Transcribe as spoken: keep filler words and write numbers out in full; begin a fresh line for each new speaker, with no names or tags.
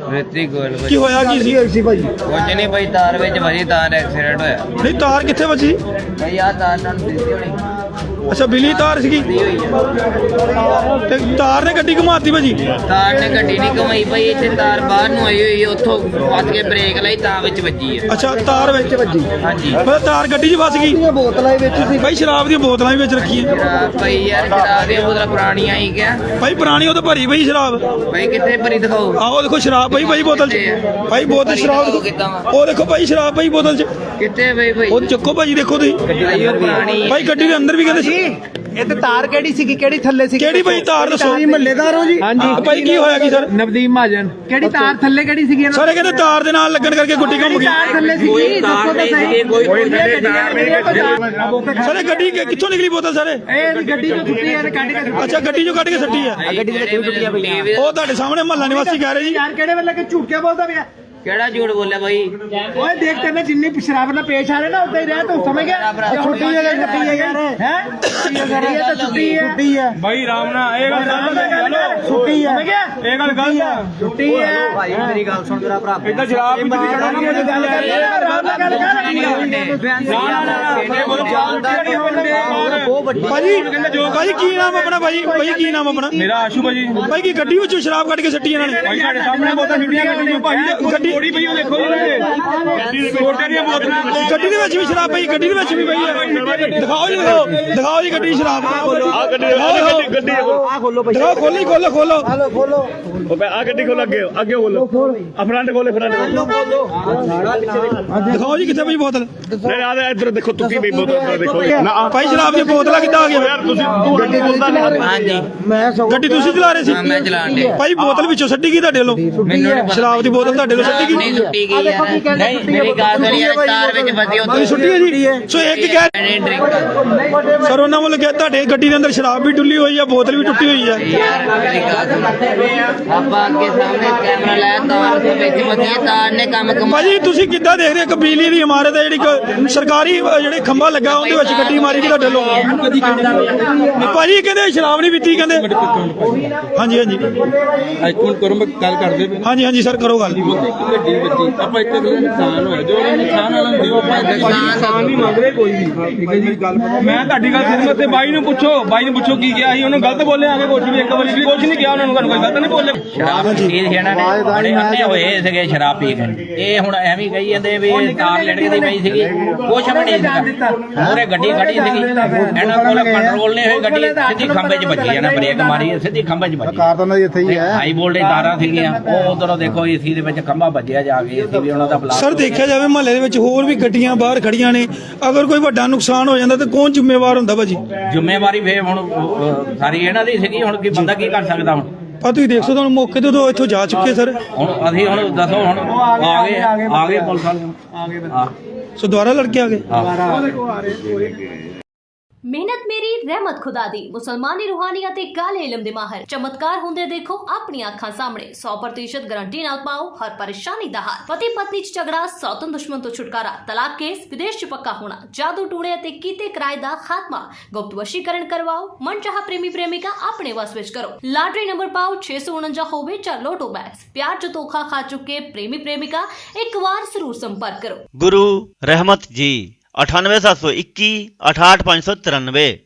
ਰਿਤਿਕ ਗੋਲ
ਕੀ ਹੋਇਆ ਕੀ ਸੀ ਸੀ ਭਾਜੀ?
ਕੁਝ ਨਹੀਂ ਭਾਈ, ਤਾਰ ਵਿੱਚ ਵਜੀ, ਤਾਰ ਐਕਸੀਡੈਂਟ ਹੋਇਆ
ਨਹੀਂ ਤਾਰ ਕਿੱਥੇ ਵੱਜੀ?
ਭਾਈ ਆ ਤਾਰ ਨਾਲ ਦਿੱਤੀ ਹੋਣੀ
ਅੱਛਾ ਬਿਜਲੀ ਤਾਰ ਸੀਗੀ ਤੇ ਤਾਰ ਨੇ ਗੱਡੀ ਘੁਮਾਤੀ ਭਾਜੀ।
ਤਾਰ ਨੇ ਗੱਡੀ ਨਹੀਂ ਘੁਮਾਈ ਭਾਈ, ਇੱਥੇ ਤਾਰ ਬਾਹਰ ਨੂੰ ਆਈ ਹੋਈ, ਉੱਥੋਂ ਫਸ ਕੇ ਬ੍ਰੇਕ ਲਾਈ ਤਾਂ ਵਿੱਚ ਵੱਜੀ ਹੈ।
ਅੱਛਾ ਤਾਰ ਵਿੱਚ ਵੱਜੀ,
ਹਾਂਜੀ
ਫਿਰ ਤਾਰ ਗੱਡੀ 'ਚ ਫਸ ਗਈ।
ਬੋਤਲਾਂ ਵਿੱਚ ਸੀ
ਭਾਈ ਸ਼ਰਾਬ ਦੀਆਂ ਬੋਤਲਾਂ ਵੀ ਵਿੱਚ ਰੱਖੀਆਂ
ਸ਼ਰਾਬ ਭਾਈ ਯਾਰ, ਸ਼ਰਾਬ ਦੀਆਂ ਬੋਤਲਾਂ ਪੁਰਾਣੀਆਂ ਹੀ ਕਿਆ
ਭਾਈ, ਪੁਰਾਣੀ ਉਹ ਤਾਂ ਭਰੀ ਪਈ ਸ਼ਰਾਬ।
ਭਾਈ ਕਿੱਥੇ ਭਰੀ ਦਿਖਾਓ।
ਆਹੋ ਦੇਖੋ ਸ਼ਰਾਬ ਭਾਈ ਭਾਈ ਬੋਤਲ 'ਚ, ਭਾਈ ਬੋਤਲ ਸ਼ਰਾਬ ਦੇਖੋ।
ਕਿੱਦਾਂ ਵਾ?
ਉਹ ਦੇਖੋ ਭਾਈ ਸ਼ਰਾਬ ਭਾਈ ਬੋਤਲ 'ਚ,
ਕਿੱਥੇ ਭਾਈ ਭਾਈ
ਉਹ ਚੱਕੋ ਭਾਜੀ ਦੇਖੋ ਤੁਸੀਂ
ਭਾਈ ਉਹ ਪੁਰਾਣੀ
ਭਾਈ ਗੱਡੀ ਦੇ ਅੰਦਰ ਵੀ ਕਹਿੰਦੇ ਸੀ।
ਇਹ ਤੇ ਤਾਰ ਕਿਹੜੀ ਸੀਗੀ, ਕਿਹੜੀ ਥੱਲੇ ਸੀ?
ਕਿਹੜੀ ਭਾਈ ਤਾਰ ਦੱਸੋ?
ਮਹੱਲੇਦਾਰ ਹੋ ਜੀ?
ਹਾਂਜੀ ਭਾਈ ਕੀ ਹੋਇਆ ਕੀ ਸਰ?
ਨਵਦੀਪ ਮਹਾਜਨ। ਕਿਹੜੀ ਤਾਰ ਥੱਲੇ ਕਿਹੜੀ ਸੀਗੀ?
ਸਾਰੇ ਕਹਿੰਦੇ ਤਾਰ ਦੇ ਨਾਲ ਲੱਗਣ ਕਰਕੇ ਗੁੱਡੀ ਘੁੰਮ ਗਈ।
ਤਾਰ ਥੱਲੇ ਸੀਗੀ, ਦੱਸੋ ਤਾਂ ਸਹੀ।
ਕੋਈ
ਸਾਰੇ ਗੱਡੀ ਕਿ- ਕਿੱਥੋਂ ਨਿਕਲੀ ਬੋਤਲ ਸਾਰੇ?
ਇਹ ਗੱਡੀ ਤੋਂ ਛੁੱਟੀ ਹੈ, ਕੱਢ ਕੇ।
ਅੱਛਾ ਗੱਡੀ ਚੋਂ ਕੱਢ ਕੇ ਸੱਟੀ ਆ।
ਗੱਡੀ ਦੇ ਵਿੱਚ ਟੁੱਟੀਆਂ ਪਈਆਂ।
ਉਹ ਤੁਹਾਡੇ ਸਾਹਮਣੇ ਮਹੱਲਾ ਨਿਵਾਸੀ ਕਹਿ ਰਹੇ ਜੀ।
ਯਾਰ ਕਿਹੜੇ ਵੇਲੇ ਕਿ ਝੂਠ ਕੇ ਬੋਲਦਾ ਪਿਆ?
ਕਿਹੜਾ ਝੂਠ ਬੋਲਿਆ ਭਾਈ?
ਓਏ ਦੇਖ ਤੈਨੂੰ ਜਿੰਨੀ ਸ਼ਰਾਬ ਨਾਲ ਪੇਸ਼ ਆ ਰਹੇ ਨਾ ਉਦਾਂ ਹੀ ਰਹਿ, ਤੂੰ ਸਮਝ ਗਿਆ? ਛੁੱਟੀ ਹੈ, ਛੁੱਟੀ ਹੈ ਯਾਰ। ਹੈ ਛੁੱਟੀ ਹੈ ਤਾਂ ਛੁੱਟੀ ਹੈ, ਛੁੱਟੀ ਹੈ
ਭਾਈ ਰਾਮ ਨਾਲ ਇਹ ਗੱਲ
ਛੁੱਟੀ ਹੈ, ਸਮਝ ਗਿਆ?
ਇਹ ਗੱਲ ਗਲਤ ਆ।
ਛੁੱਟੀ ਹੈ
ਭਾਈ ਮੇਰੀ ਗੱਲ ਸੁਣ ਜਰਾ ਭਰਾ।
ਇਦਾਂ ਸ਼ਰਾਬ ਵੀ ਤੁਸੀਂ ਚੜਾਉਣਾ
ਗੱਲ ਕਰ ਆਰਾਮ ਨਾਲ ਗੱਲ ਕਰ।
ਭਾਜੀ ਭਾਜੀ ਕੀ ਨਾਮ ਆਪਣਾ? ਭਾਜੀ ਭਾਜੀ ਕੀ ਨਾਮ ਆਪਣਾ?
ਮੇਰਾ ਆਸ਼ੂ ਭਾਜੀ।
ਭਾਈ ਕੀ ਗੱਡੀ ਵਿੱਚੋਂ ਸ਼ਰਾਬ ਕੱਢ ਕੇ ਸੱਟੀ ਇਹਨਾਂ ਨੇ?
ਭਾਈ ਸਾਡੇ ਸਾਹਮਣੇ ਬੋਤਲਾਂ ਛੁੱਟੀਆਂ ਗੱਡੀ ਭਾਈ, ਗੱਡੀ ਥੋੜੀ ਪਈ ਉਹ ਦੇਖੋ ਜੀ, ਛੋਟੇ ਦੀਆਂ ਬੋਤਲਾਂ।
ਗੱਡੀ ਦੇ ਵਿੱਚ ਵੀ ਸ਼ਰਾਬ ਪਈ, ਗੱਡੀ ਦੇ ਵਿੱਚ ਵੀ ਪਈ ਹੈ। ਦਿਖਾਓ ਜੀ ਦਿਖਾਓ ਦਿਖਾਓ ਜੀ ਗੱਡੀ ਸ਼ਰਾਬ।
ਆ ਗੱਡੀ ਗੱਡੀ ਗੱਡੀ
ਆ ਖੋਲੋ ਭਾਈ,
ਦਿਖਾਓ ਖੋਲੀ ਖੋਲੋ ਖੋਲੋ
ਹਲੋ ਖੋਲੋ
ਉਹ ਆ ਗੱਡੀ ਖੋਲ, ਅੱਗੇ ਅੱਗੇ ਖੋਲੋ, ਆ ਫਰੰਟ ਖੋਲੇ, ਫਰੰਟ ਖੋਲੋ।
ਦਿਖਾਓ ਜੀ ਕਿੱਥੇ ਪਈ ਬੋਤਲ?
ਨਹੀਂ ਆ ਇੱਧਰ ਦੇਖੋ, ਤੁੱਕੀ ਪਈ ਬੋਤਲ ਦੇਖੋ ਨਾ।
ਭਾਈ ਸ਼ਰਾਬ ਦੀਆਂ ਬੋਤਲਾਂ ਕਿੱਦਾਂ ਆ ਗਈਆਂ?
ਯਾਰ ਤੁਸੀਂ ਤੂੰ ਗੱਡੀ ਬੋਲਦਾ ਨਹੀਂ।
ਹਾਂਜੀ
ਮੈਂ ਸਗੋਂ
ਗੱਡੀ ਤੁਸੀਂ ਚਲਾ ਰਹੇ ਸੀ?
ਹਾਂ, ਮੈਂ ਚਲਾਣ ਡਿਆ।
ਭਾਈ ਬੋਤਲ ਵਿੱਚੋਂ ਸੱਟੀ ਗਈ ਤੁਹਾਡੇ ਵੱਲੋਂ?
ਮੈਨੂੰ ਨਹੀਂ ਪਤਾ।
ਸ਼ਰਾਬ ਦੀ ਬੋਤਲ ਤੁਹਾਡੇ ਵੱਲੋਂ ਸੱਟੀ
ਨਹੀਂ
ਗਈ?
ਸੁੱਟੀ ਗਈ ਯਾਰ, ਨਹੀਂ ਮੇਰੀ ਗੱਲ ਸੁਣ ਯਾਰ, ਤਾਰ ਵਿੱਚ ਫਸੀ
ਭਾਈ
ਉੱਥੇ
ਸੁੱਟੀ ਹੈ ਜੀ। ਸੋ ਇੱਕ ਕਹਿ
ਮੈਨੇ ਡਰਿੰਕ
ਸਰ ਉਹਨਾਂ ਵੱਲੋਂ ਕਿਹਾ ਤੁਹਾਡੇ ਗੱਡੀ ਦੇ ਅੰਦਰ ਸ਼ਰਾਬ ਵੀ ਡੁੱਲੀ ਹੋਈ ਆ, ਬੋਤਲ ਵੀ ਟੁੱਟੀ ਹੋਈ ਆ।
ਯਾਰ ਮੇਰੀ ਗੱਲ ਸੁਣ, ਆਪਾਂ ਅੱਗੇ ਸਾਹਮਣੇ ਕੈਮਰਾ ਲਾਇਆ, ਤਾਰ ਦੇ ਵਿੱਚ ਫਸੀ ਹੈ, ਤਾਰ ਨੇ ਕੰਮ ਕਮਾ।
ਭਾਜੀ ਤੁਸੀਂ ਕਿੱਦਾਂ ਦੇਖ ਰਹੇ ਹੋ? ਇੱਕ ਬਿਜਲੀ ਦੀ ਇਮਾਰਤ ਹੈ ਜਿਹੜੀ ਇੱਕ ਸਰਕਾਰੀ ਅਹ, ਜਿਹੜੇ ਖੰਭਾ ਲੱਗਾ ਉਹਦੇ ਵਿੱਚ ਗੱਡੀ ਮਾਰੀ ਗਈ ਤੁਹਾਡੇ ਲੋਕ। ਭਾਜੀ ਕਹਿੰਦੇ ਸ਼ਰਾਬ ਨਹੀਂ ਪੀਤੀ ਕਹਿੰਦੇ। ਹਾਂਜੀ ਹਾਂਜੀ
ਅੱਜ ਹੁਣ ਕਰੋ, ਮੈਂ ਗੱਲ ਕਰਦੇ ਪਏ।
ਹਾਂਜੀ ਹਾਂਜੀ ਸਰ ਕਰੋ ਗੱਲ।
ਗੱਡੀ ਵੱਜੀ, ਆਪਾਂ ਇੱਕ ਅਗਲੇ ਨੁਕਸਾਨ ਹੋਇਆ, ਜੋ ਉਹਨਾਂ ਨੁਕਸਾਨ ਵਾਲਾ ਹੁੰਦੀ ਉਹ ਆਪਾਂ ਨੁਕਸਾਨ ਨਹੀਂ ਮੰਗ ਰਹੇ ਕੋਈ ਵੀ। ਠੀਕ ਹੈ ਜੀ, ਮੈਂ ਤੁਹਾਡੀ ਗੱਲ ਸੁਣੀ ਤੇ ਬਾਈ ਨੂੰ ਪੁੱਛੋ, ਬਾਈ ਨੂੰ ਪੁੱਛੋ ਕੀ ਕਿਹਾ ਸੀ ਉਹਨੂੰ। ਗਲਤ ਬੋਲੇ ਆਗੇ ਕੁਝ ਵੀ, ਇੱਕ ਵਾਰੀ ਵੀ ਕੁਝ ਨਹੀਂ ਕਿਹਾ ਉਹਨਾਂ ਨੂੰ, ਤੁਹਾਨੂੰ ਕੋਈ ਗਲਤ ਨਹੀਂ ਬੋਲੇ।
ਸ਼ਰਾਬ ਪੀ ਸੀ ਇਹਨਾਂ ਨੇ, ਬੜੇ ਅੰਨੇ ਹੋਏ ਸੀਗੇ ਸ਼ਰਾਬ ਪੀ ਕੇ। ਇਹ ਹੁਣ ਐਵੇਂ ਕਹੀ ਜਾਂਦੇ ਵੀ ਇਹ ਤਾਰ ਲਟਕਦੀ ਪਈ ਸੀਗੀ, ਕੁਛ ਵੀ ਨਹੀਂ ਸੀਗਾ। ਪੂਰੇ ਗੱਡੀ ਖੜੀ ਸੀਗੀ, ਇਹਨਾਂ ਕੋਲ ਕੰਟਰੋਲ ਨਹੀਂ ਹੋਈ, ਗੱਡੀ ਸਿੱਧੀ ਖੰਭੇ 'ਚ ਵੱਜੀ। ਇਹਨਾਂ ਬ੍ਰੇਕ ਮਾਰੀ, ਸਿੱਧੀ ਖੰਭੇ 'ਚ ਵੱਜੀ।
ਕਾਰ ਤਾਂ ਉਹਨਾਂ ਦੀ ਇੱਥੇ ਹੀ ਹੈ।
ਹਾਈ ਵੋਲਟੇਜ ਤਾਰਾਂ ਸੀਗੀਆਂ, ਉਹ ਉਧਰੋਂ ਦੇਖੋ ਏਸੀ ਦੇ ਵਿੱਚ ਖੰਭਾ ਵੱਜਿਆ ਜਾ ਕੇ, ਏਸੀ ਵੀ ਉਹਨਾਂ ਦਾ ਬਲਾਸਟ।
ਸਰ ਦੇਖਿਆ ਜਾਵੇ ਮਹੱਲੇ ਦੇ ਵਿੱਚ ਹੋਰ ਵੀ ਗੱਡੀਆਂ ਬਾਹਰ ਖੜੀਆਂ ਨੇ, ਅਗਰ ਕੋਈ ਵੱਡਾ ਨੁਕਸਾਨ ਹੋ ਜਾਂਦਾ ਤਾਂ ਕੌਣ ਜ਼ਿੰਮੇਵਾਰ ਹੁੰਦਾ ਭਾਜੀ?
ਜ਼ਿੰਮੇਵਾਰੀ ਫੇਰ ਹੁਣ ਅਹ, ਸਾਰੀ ਇਹਨਾਂ ਦੀ ਸੀਗੀ। ਹੁਣ ਕੀ ਬੰਦਾ ਕੀ ਕਰ ਸਕਦਾ? ਹੁਣ
ਆ ਤੁਸੀਂ ਦੇਖ ਸਕਦੇ ਹੋ ਮੌਕੇ ਤੋਂ ਇੱਥੋਂ ਜਾ ਚੁੱਕੇ ਸਰ।
ਹੁਣ ਅਸੀਂ ਹੁਣ ਦੱਸੋ, ਹੁਣ ਆ ਗਏ ਆ ਗਏ ਪੁਲਿਸ ਵਾਲੇ ਆ
ਸੋ ਦੁਬਾਰਾ ਲੜਕੇ ਆ ਗਏ।
ਮਿਹਨਤ ਮੇਰੀ ਰਹਿਮਤ ਖੁਦਾ ਦੀ। ਮੁਸਲਮਾਨੀ ਰੂਹਾਨੀ ਅਤੇ ਕਾਲੇ ਇਲਮ ਦੇ ਮਾਹਰ ਚਮਤਕਾਰ ਹੁੰਦੇ ਦੇਖੋ ਆਪਣੀਆਂ ਅੱਖਾਂ ਸਾਹਮਣੇ। ਸੌ ਪ੍ਰਤੀਸ਼ਤ ਗਾਰੰਟੀ ਨਾਲ ਪਾਓ ਹਰ ਪਰੇਸ਼ਾਨੀ ਦਾ ਹੱਲ। ਪਤੀ ਪਤਨੀ ਚ ਝਗੜਾ, ਸੌਤਨ ਦੁਸ਼ਮਣ ਤੋਂ ਛੁਟਕਾਰਾ, ਤਲਾਕ ਕੇਸ, ਵਿਦੇਸ਼ ਚ ਪੱਕਾ ਹੋਣਾ, ਜਾਦੂ ਟੂਣੇ ਅਤੇ ਕੀਤੇ ਕਿਰਾਏ ਦਾ ਖਾਤਮਾ, ਗੁਪਤ ਵਸ਼ੀਕਰਨ ਕਰਵਾਓ, ਮਨਚਾਹਾ ਪ੍ਰੇਮੀ ਪ੍ਰੇਮਿਕਾ ਆਪਣੇ ਵਸ ਵਿੱਚ ਕਰੋ। ਲਾਟਰੀ ਨੰਬਰ ਪਾਓ ਛੇ ਸੌ ਉਨੰਜਾ ਹੋਵੇ ਜਾਂ ਲੋਟੋ ਬੈਗਸ। ਪਿਆਰ ਚ ਧੋਖਾ ਖਾ ਚੁੱਕੇ ਪ੍ਰੇਮੀ ਪ੍ਰੇਮਿਕਾ ਇੱਕ ਵਾਰ ਜ਼ਰੂਰ ਸੰਪਰਕ ਕਰੋ।
गुरु रहमत जी अठानवे सात सौ इक्की अठाठ पाँच सौ तिरानवे।